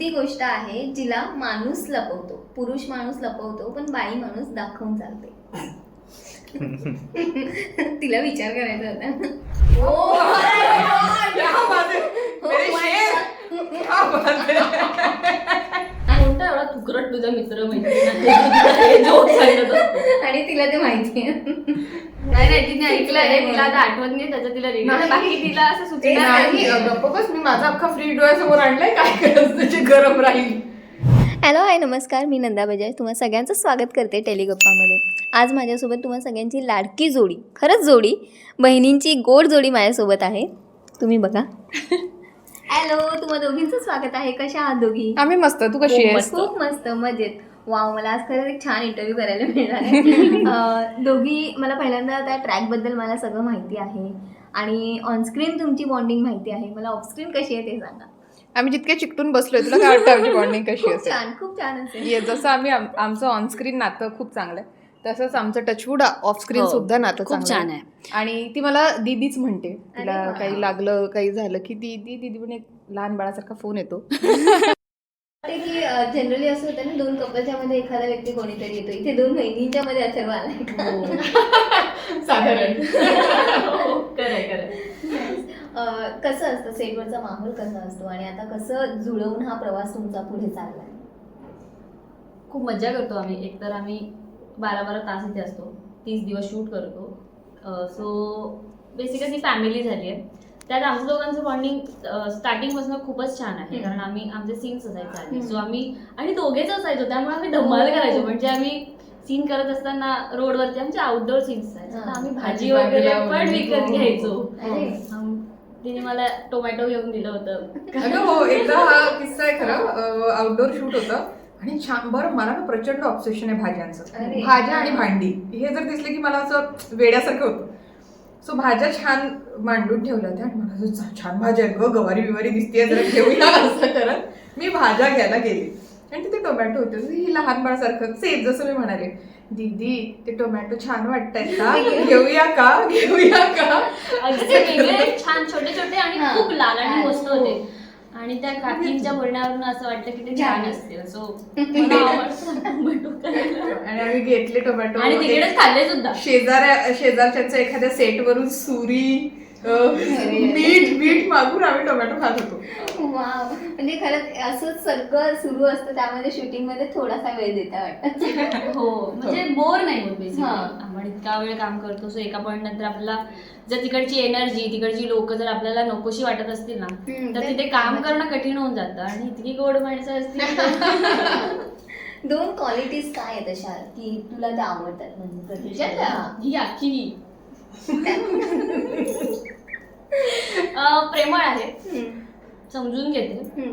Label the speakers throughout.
Speaker 1: कोणती गोष्ट आहे जिला माणूस लपवतो, पुरुष माणूस लपवतो पण बाई माणूस दाखवून चालते? तिला विचार करायचा होता.
Speaker 2: कोणता एवढा तुकरट तुझा मित्र मैत्रीण
Speaker 1: आणि तिला ते माहिती आहे.
Speaker 2: नाही तिने ऐकलं आहे, तिला आता आठवत नाही त्याचं, तिला रिव्ह्यू बाकी तिला असं सुचणार
Speaker 3: गप्प बस, मी माझा अख्खा फ्री डोळ्यासमोर आणलाय, काय करायचं त्याची गरम राहील.
Speaker 1: हॅलो हाय नमस्कार, मी नंदा बजाज तुम्हा सगळ्यांचं स्वागत करते टेलिगप्पामध्ये. आज माझ्यासोबत तुम्हा सगळ्यांची लाडकी जोडी, खरंच जोडी, बहिणींची गोड जोडी माझ्यासोबत आहे. तुम्ही बघा. हॅलो, तुम्हा दोघींचं स्वागत आहे. कशा आहात दोघी?
Speaker 3: आम्ही मस्त, तू कशी आहेस?
Speaker 1: खूप मस्त, मजेत. वाव, मला आज खरंच एक छान इंटरव्ह्यू करायला मिळणार आहे. दोघी, मला पहिल्यांदा त्या ट्रॅकबद्दल मला सगळं माहिती आहे आणि ऑनस्क्रीन तुमची बॉन्डिंग माहिती आहे. मला ऑफस्क्रीन कशी आहे ते सांगा.
Speaker 3: आम्ही जितके चिकटून बसलोय, तुला काय वाटतं आमची बॉन्डिंग कशी
Speaker 1: खूप
Speaker 3: असेल?
Speaker 1: छान, खूप छान असेल.
Speaker 3: ये जसं आम्ही आमचं ऑनस्क्रीन नातं खूप चांगलं आहे, तसंच आमचं टचवूड ऑफस्क्रीन सुद्धा नातं
Speaker 2: खूप छान आहे.
Speaker 3: आणि ती मला दीदीच म्हणते. तिला
Speaker 1: अरे वा.
Speaker 3: काही लागलं, काही झालं की दीदी पण एक लहान बाळासारखा फोन येतो.
Speaker 1: की जनरली असं होतं ना, दोन कपलच्या मध्ये एखादा व्यक्ती कोणीतरी येतो. इथे दोन बहिणींच्या मध्ये अथर्व आलाय.
Speaker 3: साधारण.
Speaker 1: कसं असतं सेटवरचा माहोल कसा असतो आणि आता कसं जुळवून हा प्रवास तुमचा पुढे चाललाय?
Speaker 2: खूप मजा करतो आम्ही. एकतर आम्ही 12-12 तास इथे असतो, 30 दिवस शूट करतो. सो बेसिकली फॅमिली झाली आहे. त्यात आमच्या दोघांचं बॉन्डिंग स्टार्टिंगपासून खूपच छान आहे, कारण आम्ही आमचे सीन्स असायचे आधी. सो आम्ही आणि दोघेच असायचो, त्यामुळे आम्ही धमाल करायचो. म्हणजे आम्ही सीन करत असताना रोडवरती आमचे आउटडोर सीन्स असायचे, तर आम्ही भाजी वगैरे पण विकत घ्यायचो. तिने मला टोमॅटो घेऊन दिलं होतं.
Speaker 3: अगं हो, एकदा हा किस्सा आहे खरं. आउटडोर शूट होतं आणि छान. बरं, मला ना प्रचंड ऑब्सेशन आहे भाज्यांचं.
Speaker 1: अरे.
Speaker 3: भाज्या आणि भांडी हे जर दिसले की मला असं वेड्यासारखं होतं. सो भाज्या छान मांडून ठेवल्या होत्या आणि मला असं छान भाज्या आहेत गं, गवारी बिवारी दिसते, जरा घेऊया असं करत मी भाज्या घ्यायला गेले आणि तिथे टोमॅटो होते. ही लहान बाळासारखं सेफ, जसं मी म्हणाले, दीदी ते टोमॅटो छान वाटतायत का, घेऊया का.
Speaker 2: अगदी वेगळे छान छोटे छोटे आणि खूप लाल आणि मस्त होते. आणि त्या काकींच्या बोलण्यावरून असं वाटतं की ते छान असतील. सो
Speaker 3: आणि आम्ही घेतले टोमॅटो
Speaker 2: आणि तिकडेच खाल्ले सुद्धा.
Speaker 3: शेजारच्या एखाद्या सेटवरून सुरी मीठ मागून आम्ही टोमॅटो खात होतो.
Speaker 1: वाव, म्हणजे खरंच असंच सगळं सुरू असतं, त्यामध्ये शूटिंग मध्ये थोडासा वेळ देता वाटतं.
Speaker 2: हो, म्हणजे बोर नाही होत बेसिकली. आपण इतका वेळ काम करतो, सो एका पॉईंट नंतर आपल्याला जर तिकडची एनर्जी, तिकडची लोक जर आपल्याला नकोशी वाटत असतील ना, तर तिथे काम करणं कठीण होऊन जातं. आणि इतकी गोड माणसं असतील.
Speaker 1: दोन क्वालिटीज काय आहेत अशा की तुला त्या आवडतात? म्हणजे
Speaker 2: ही आखी प्रेमळ आहे, समजून घेते.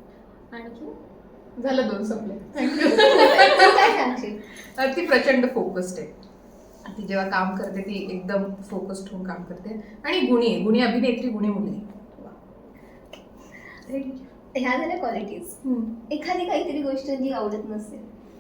Speaker 2: आणखी
Speaker 3: झालं, 2 संपले.
Speaker 1: काय सांगशील?
Speaker 3: ती प्रचंड फोकस्ड आहे. ती जेव्हा काम करते ती एकदम फोकस्ड होऊन काम करते. आणि गुणी अभिनेत्री, गुणी मुलगी.
Speaker 1: ह्या झाल्या क्वालिटीज. एखादी काहीतरी गोष्ट जी आवडत नसेल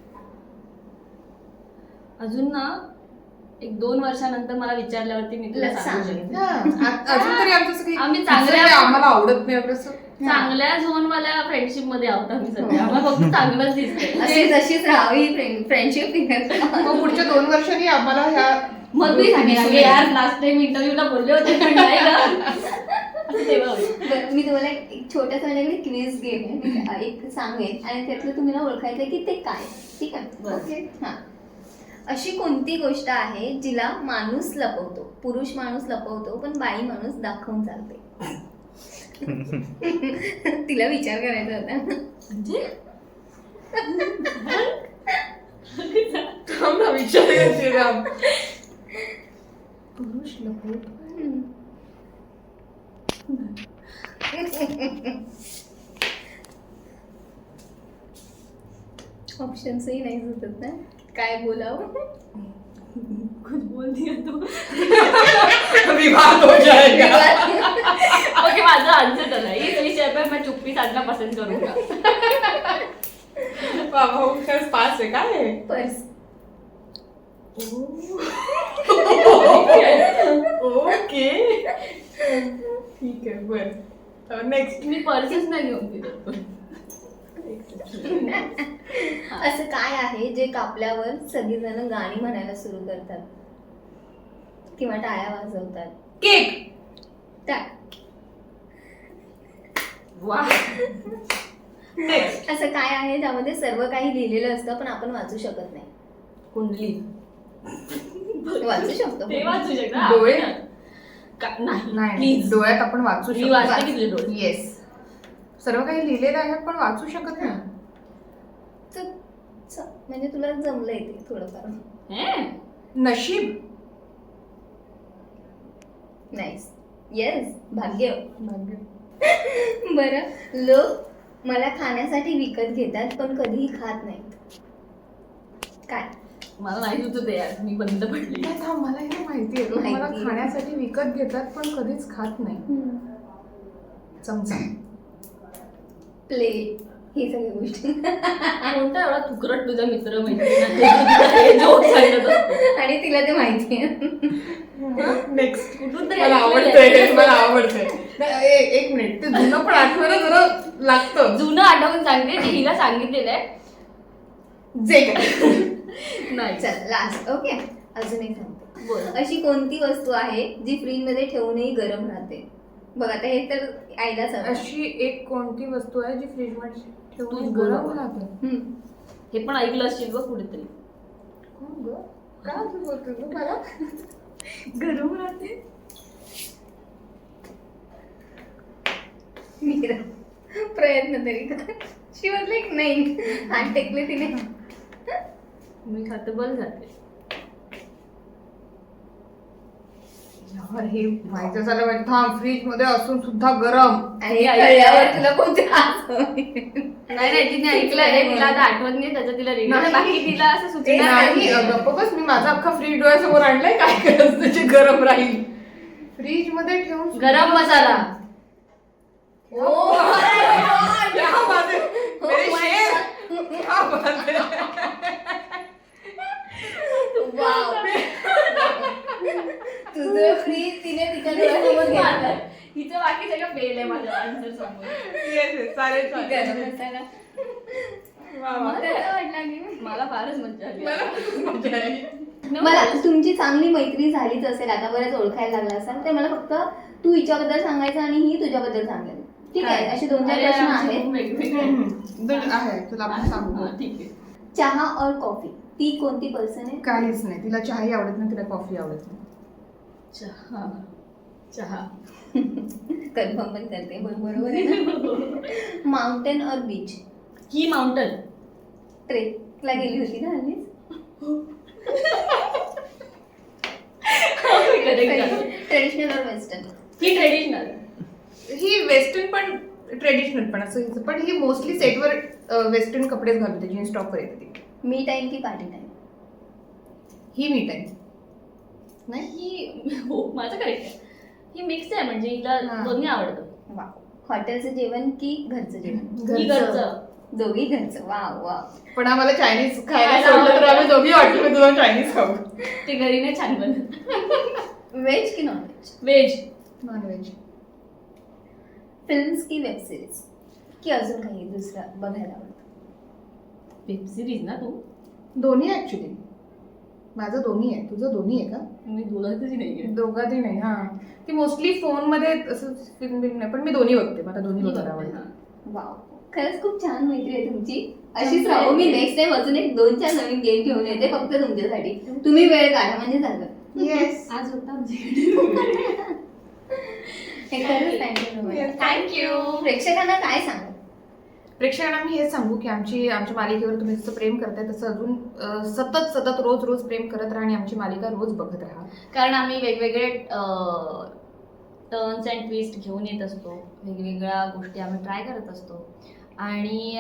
Speaker 2: अजून ना, 1-2 वर्षानंतर मला विचारल्यावरती मी तुला सांगू शकते.
Speaker 3: अजून तरी आमचं
Speaker 2: आम्ही चांगल्या
Speaker 3: आम्हाला आवडत नाही असं.
Speaker 2: चांगल्या झोनवाल्या फ्रेंडशिप मध्ये आहोत आम्ही सध्या. आम्हाला फक्त चांगलंच दिसतंय.
Speaker 1: अशी जशीच राहावी फ्रेंडशिप.
Speaker 3: मग पुढच्या 2 वर्षांनी आम्हाला ह्या
Speaker 2: मग मी सांगेन यार, लास्ट टाइम इंटरव्ह्यूला बोलले होते पण नाही का.
Speaker 1: मी तुम्हाला एक छोटासा माझ्याकडे क्विज गेम आहे, एक सांगेन आणि त्यातलं तुम्हाला ओळखायचं की ते काय. ठीक आहे? ओके. हां, अशी कोणती गोष्ट आहे जिला माणूस लपवतो, पुरुष माणूस लपवतो पण बाई माणूस दाखवून चालते? तिला विचार करायचा होता.
Speaker 2: म्हणजे
Speaker 3: विचार पुरुष लपवतो.
Speaker 1: ऑप्शन्सही नाही सुचत ना, काय बोलावं.
Speaker 2: कुछ बोल दिया तो
Speaker 3: विवाद हो जाएगा.
Speaker 2: ओके, माझा आन्सर झाला. इस विषय पर मैं चुप्पी साधना पसंद करूंगा.
Speaker 3: बाबा खरंच पास आहे काय?
Speaker 1: पर्स.
Speaker 3: ओके, ठीक आहे. बरं, नेक्स्ट.
Speaker 2: मी पर्सच नाही घेऊन दिलं.
Speaker 1: असं काय आहे जे कापल्यावर सगळीजण गाणी म्हणायला सुरू करतात किंवा टाळ्या वाजवतात?
Speaker 3: केक.
Speaker 2: वा.
Speaker 3: नेक्स्ट.
Speaker 1: असं काय आहे ज्यामध्ये सर्व काही लिहिलेलं असतं पण आपण वाचू शकत नाही?
Speaker 2: कुंडली.
Speaker 1: वाचू शकतो.
Speaker 2: ते वाचू शकता.
Speaker 3: डोळे?
Speaker 2: नाही
Speaker 3: नाही
Speaker 2: प्लीज.
Speaker 3: डोळ्यात आपण वाचू
Speaker 2: मी वाचते की तुझे डोळे?
Speaker 3: येस. सर्व काही लिहिलेलं आहे पण वाचू शकत नाही.
Speaker 1: म्हणजे तुला जमलंय ते थोडंफार.
Speaker 2: हे?
Speaker 3: नशीब.
Speaker 1: नाईस. येस. भाग्य. बरं, लोक मला खाण्यासाठी विकत घेतात पण कधीही खात नाहीत. काय?
Speaker 2: मला नाही तुझं ते यार, मी बंद पडली.
Speaker 3: नाही, थांब, मला हे माहिती आहे. लोक मला
Speaker 1: माहिती आहे.
Speaker 3: खाण्यासाठी विकत घेतात पण कधीच खात नाही. चमचा.
Speaker 1: प्लेट. ही सगळी गोष्टी.
Speaker 2: कोणता एवढा तुकरट तुझा मित्र मैत्रिणी जोक सांगत असतो.
Speaker 1: आणि तिला ते माहिती आहे.
Speaker 3: नेक्स्ट.
Speaker 2: कुठून तरी
Speaker 3: मला
Speaker 2: ऐकलेलं
Speaker 3: आवडतंय
Speaker 2: आहे.
Speaker 3: हे, मला आवडतंय. नाही, एक मिनिट, ते जुनं पण आठवायला जरा लागतं.
Speaker 2: जुनं आठवून सांगते ते हिला सांगितलेलं आहे.
Speaker 3: जे काय.
Speaker 2: नाही.
Speaker 1: चल लास्ट. ओके, अजून एक सांगते.
Speaker 2: बोल.
Speaker 1: अशी कोणती वस्तू आहे जी फ्रीज मध्ये ठेवूनही गरम राहते? बघ आता हे तर आईलाच हवं.
Speaker 3: अशी एक कोणती वस्तू आहे जी फ्रीज मध्ये ठेवून
Speaker 2: तूच
Speaker 3: गरम
Speaker 2: बोल.
Speaker 3: राहते?
Speaker 2: हे पण ऐकलं असशील बघ कुठेतरी.
Speaker 3: कोण गं? काय तू बोलतोय गं मला? गरम राहते.
Speaker 1: मीरा, प्रयत्न तरी कर. शी वॉज लाईक नाही. हात टेकले तिने.
Speaker 2: मी खाते बल जाते.
Speaker 3: यार, हे माहिती झालं पाहिजे. थांब, फ्रीज मध्ये असून सुद्धा गरम.
Speaker 1: आणि कळल्यावर तुला कोणते
Speaker 2: नाही तिने ऐकलं आहे. तिला आता आठवत नाही त्याचं तिला रिव्ह्यू.
Speaker 3: नाही.
Speaker 2: बाकी तिला असं सुचणार
Speaker 3: नाही,
Speaker 2: नाही.
Speaker 3: गप्प बस. मी माझा अख्खा फ्रीज डोळ्यासमोर आणलाय. काय करायचं त्याची गरम राहील. फ्रीज मध्ये ठेवून सुद्धा-
Speaker 2: गरम मसाला.
Speaker 3: क्या बात है. मेरे शेर. क्या बात है.
Speaker 1: तुझं फ्रीज तिने तिच्या डोळ्यासमोर घेतलं.
Speaker 2: हिचं बाकी सगळं फेल आहे माझ्या आन्सर समोर.
Speaker 3: Yes, yes, चालेल,
Speaker 1: गरम
Speaker 3: चालेल.
Speaker 1: मसाला.
Speaker 3: वा, वा.
Speaker 1: मला वाटलं की
Speaker 2: मला फारच मजा आली.
Speaker 3: मला खूप मजा आली.
Speaker 1: मला तुमची चांगली मैत्री झालीच असेल आता, बरंच ओळखायला लागला असाल, तर मला फक्त तू हिच्याबद्दल सांगायचं आणि ही तुझ्याबद्दल सांगेल. ठीक आहे? असे 2-4
Speaker 2: अरे,
Speaker 1: प्रश्न
Speaker 2: आमचे
Speaker 1: आहेत.
Speaker 2: खूप वेगवेगळे
Speaker 3: आहे तुला आपण सांगू.
Speaker 2: हा, ठीक आहे.
Speaker 1: चहा और कॉफी, ती कोणती पर्सन आहे?
Speaker 3: काहीच नाही. तिला चहाही आवडत नाही, तिला कॉफी आवडत नाही.
Speaker 2: चहा. चहा.
Speaker 1: कन्फर्म पण करते. बरोबर आहे ना? माउंटेन और बीच?
Speaker 2: ही माउंटन.
Speaker 1: ट्रेकला गेली होती ना हल्लीच? ट्रेडिशनल और वेस्टर्न?
Speaker 2: ही ट्रेडिशनल.
Speaker 3: ही वेस्टर्न पण ट्रेडिशनल पण असं हिचं. पण ही मोस्टली सेटवर वेस्टर्न कपडेच घालते. जीन्स टॉपवर येते ती.
Speaker 1: मी टाइम की पार्टी टाइम?
Speaker 3: ही मी टाईम.
Speaker 2: नाही ही हो माझं करेक्ट आहे. ही मिक्स आहे म्हणजे हिला
Speaker 3: हा.
Speaker 2: दोन्ही आवडतं.
Speaker 1: वा. हॉटेलचं जेवण की घरचं जेवण?
Speaker 2: ही घरचं.
Speaker 1: दोघी घरचं. वा वा.
Speaker 3: पण आम्हाला चायनीज खायला सोडलं तर आम्ही दोघी वाटलं तुला चायनीज खाऊ.
Speaker 2: ते घरी नाही छान बनत.
Speaker 1: व्हेज की non veg?
Speaker 2: Veg.
Speaker 3: Non veg.
Speaker 1: Films की वेब सिरीज की अजून काही दुसरं बघायला आवडतं?
Speaker 2: वेब सिरीज ना तू?
Speaker 3: दोन्ही ऍक्च्युली. माझं दोन्ही आहे. तुझं दोन्ही आहे का?
Speaker 2: मी दोघांचंही नाही आहे.
Speaker 3: दोघातही नाही. हा, ती मोस्टली फोन मध्ये असं फिल्म बिल्म नाही, पण मी दोन्ही बघते. मला दोन्ही बघायला आवडतं.
Speaker 1: वाव, खरंच खूप छान मैत्री आहे तुमची. अशीच राहू. मी नेक्स्ट टाइम अजून एक 2-4 नवीन गेम घेऊन येते फक्त तुमच्यासाठी. तुम्ही वेळ काढा म्हणजे झालं.
Speaker 3: येस.
Speaker 2: आज होता आमच्याकडे.
Speaker 1: हे खरंच थँक्यू.
Speaker 3: Yes,
Speaker 2: thank you.
Speaker 1: प्रेक्षकांना काय सांगा?
Speaker 3: प्रेक्षकांना मी हेच सांगू की आमच्या मालिकेवर तुम्ही जसं प्रेम करताय तसं अजून सतत रोज प्रेम करत राहा आणि आमची मालिका रोज बघत राहा.
Speaker 2: कारण आम्ही वेगवेगळे टर्न्स अँड ट्विस्ट घेऊन येत असतो. वेगवेगळ्या गोष्टी आम्ही ट्राय करत असतो आणि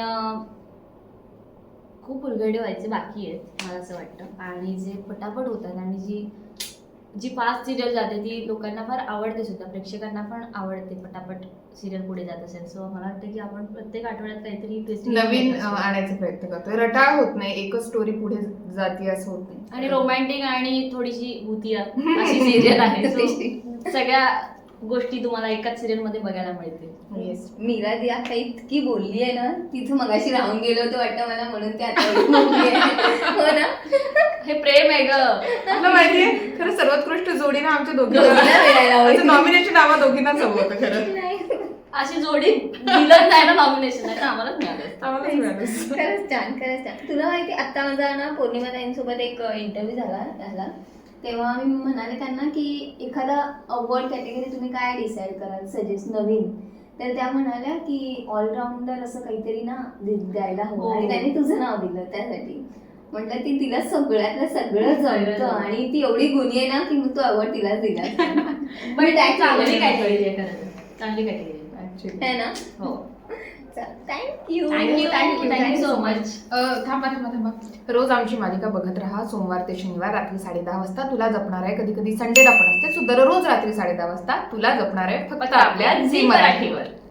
Speaker 2: खूप उलगडे व्हायचे बाकी आहेत मला असं वाटतं. आणि जे पटापट होतात आणि जी फास्ट सिरियल जाते ती लोकांना फार आवडते सुद्धा. प्रेक्षकांना पण आवडते पटापट सिरियल पुढे जात असेल. सो मला वाटतं की आपण प्रत्येक आठवड्यात काहीतरी twist
Speaker 3: नवीन
Speaker 2: घेऊन येत असतो.
Speaker 3: आणायचा प्रयत्न करतोय. रटाळ होत नाही. एकच स्टोरी पुढे जाते असं होत नाही.
Speaker 2: आणि रोमॅन्टिक आणि थोडीशी भूतिया अशी सिरियल आहे. So, सगळ्या गोष्टी तुम्हाला एकाच सिरियल मध्ये बघायला मिळतील.
Speaker 3: येस.
Speaker 1: मीरा ती आता इतकी बोलली आहे ना, तिथं मगाशी राहून गेलो होतं वाटतं मला, म्हणून ती आता एवढी बोलली आहे. हो ना.
Speaker 2: हे प्रेम आहे ग.
Speaker 3: तुला माहितीये खरं सर्वोत्कृष्ट जोडी ना आमच्या
Speaker 1: दोघींना मिळायला हवी.
Speaker 3: दोघींना नॉमिनेशन आम्हा दोघींनाच हवं होतं खरं.
Speaker 1: नाही.
Speaker 2: अशी जोडी दिलं नाही ना नॉमिनेशन, नाही तर आम्हालाच मिळालं.
Speaker 3: आम्हालाच मिळालं.
Speaker 1: खरंच छान, खरंच छान. तुला माहिती आता माझा ना पौर्णिमा ताईंसोबत एक इंटरव्ह्यू झाला, तेव्हा मी म्हणाले त्यांना की एखादा अवॉर्ड कॅटेगरी तुम्ही काय डिसाईड कराल सजेस्ट नवीन, तर त्या म्हणाल्या की ऑलराऊंडर असं काहीतरी ना द्यायला
Speaker 2: हो.
Speaker 1: हवं, आणि त्यांनी तुझं नाव दिलं त्यासाठी. म्हटलं ती तिला सगळ्यातलं सगळं जमतं आणि ती एवढी गुणी आहे ना की मग तो अवॉर्ड तिलाच दिला.
Speaker 2: पण चांगली कॅटेगरी आहे खरं, चांगली कॅटेगरी
Speaker 3: Actually.
Speaker 1: है ना.
Speaker 2: हो.
Speaker 1: Thank you
Speaker 2: thank you so much.
Speaker 3: थांबा. रोज आमची मालिका बघत राहा. सोमवार ते शनिवार रात्री 10:30 वाजता तुला जपणार आहे. कधी कधी संडेला पण असते. सो दररोज रात्री 10:30 वाजता तुला जपणार आहे फक्त आपल्या झी मराठीवर.